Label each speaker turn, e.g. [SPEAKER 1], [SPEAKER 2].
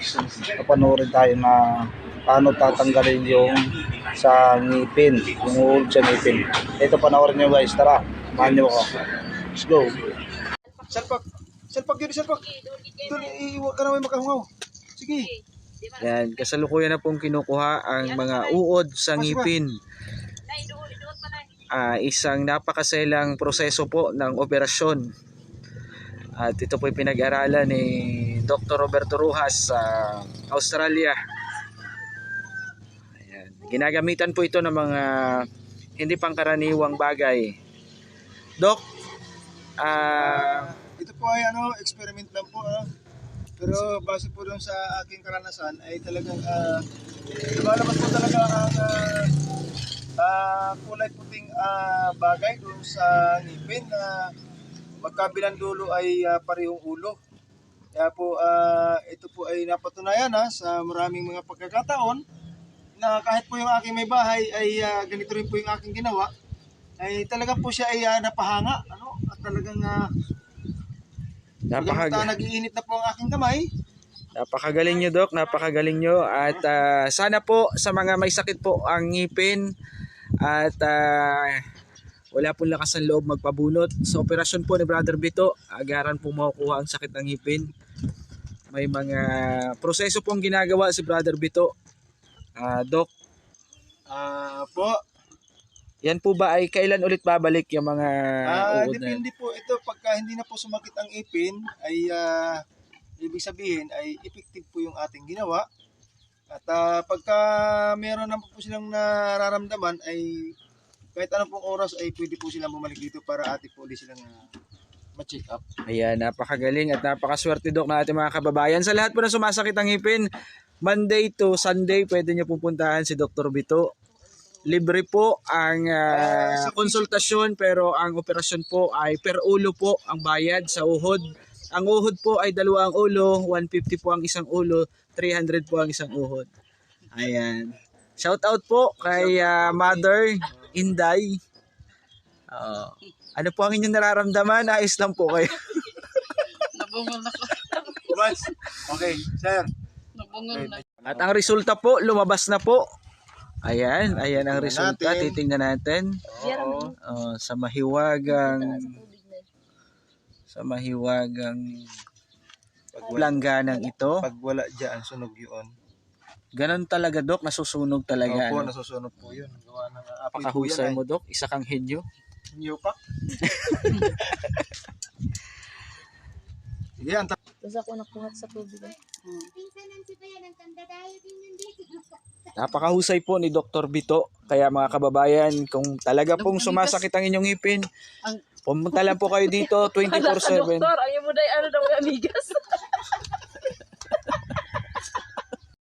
[SPEAKER 1] guys, papanoorin tayo na paano tatanggalin yung sa ngipin, yung uod sa ngipin. Ito, panoorin nyo guys, tara, samahan nyo ako. Let's go. Salpak, salpak yun, salpak. Doon, iiwa ka naman makahungaw. Sige.
[SPEAKER 2] Yan, kasalukuyan na pong kinukuha ang mga uod sa ngipin. Isang napakaselang proseso po ng operasyon. At ito po ay pinag-aralan ni Dr. Roberto Rojas sa Australia. Ayan. Ginagamitan po ito ng mga hindi pangkaraniwang bagay. Doc,
[SPEAKER 1] ito po ay experiment lang po. Pero base po doon sa aking karanasan ay talagang lumalabas po talaga ang kulay puting bagay doon sa ngipin na magkabilang dulo ay parehong ulo. Kaya po ito po ay napatunayan sa maraming mga pagkakataon na kahit po yung aking may bahay ay ganito rin po yung aking ginawa, ay talagang po siya ay napahanga, at talagang nag-iinit na po ang aking kamay.
[SPEAKER 2] Napakagaling nyo, Doc, napakagaling nyo. At sana po sa mga may sakit po ang ngipin at wala pong lakas ng loob magpabunot, sa operasyon po ni Brother Bito, agaran po makukuha ang sakit ng ngipin. May mga proseso pong ginagawa si Brother Bito. Doc,
[SPEAKER 1] po.
[SPEAKER 2] Yan po ba ay kailan ulit babalik yung mga uod na?
[SPEAKER 1] Depende po ito, pagka hindi na po sumakit ang ipin ay ibig sabihin ay effective po yung ating ginawa. At pagka meron na po silang nararamdaman ay kahit anong pong oras ay pwede po silang bumalik dito para atin po ulit silang ma-check up.
[SPEAKER 2] Ayan, napakagaling at napakaswerte, Doc, na ating mga kababayan. Sa lahat po na sumasakit ang ngipin, Monday to Sunday, pwede nyo pupuntahan si Dr. Bito. Libre po ang konsultasyon, pero ang operasyon po ay per ulo po ang bayad sa uhod. Ang uhod po ay 2 ulo, 150 po ang isang ulo, 300 po ang isang uhod. Ayan. Shout out po kay Mother Inday. Ano po ang inyong nararamdaman? Ayos lang po kayo.
[SPEAKER 3] Nabungol ako.
[SPEAKER 1] Okay, sir.
[SPEAKER 3] Nabungol na.
[SPEAKER 2] At ang resulta po, lumabas na po. Ayan, ayan ang resulta.
[SPEAKER 1] Natin.
[SPEAKER 2] Titingnan natin. Sa mahiwagang langganang ito.
[SPEAKER 1] Pag wala dyan, sunog yun.
[SPEAKER 2] Ganon talaga, Doc, nasusunog talaga.
[SPEAKER 1] Opo, nasusunog po yun. Gawa ng apoy po
[SPEAKER 2] Pakahusay
[SPEAKER 1] yan,
[SPEAKER 2] mo, Doc. Isa kang henyo.
[SPEAKER 1] New pack. Sige,
[SPEAKER 3] Tapos ako nakuha sa tubig.
[SPEAKER 2] Napakahusay po ni Dr. Bito. Kaya mga kababayan, kung talaga pong sumasakit ang inyong ngipin, pumunta lang po kayo dito 24/7.
[SPEAKER 3] Doktor, ayaw mo daw daw amigas.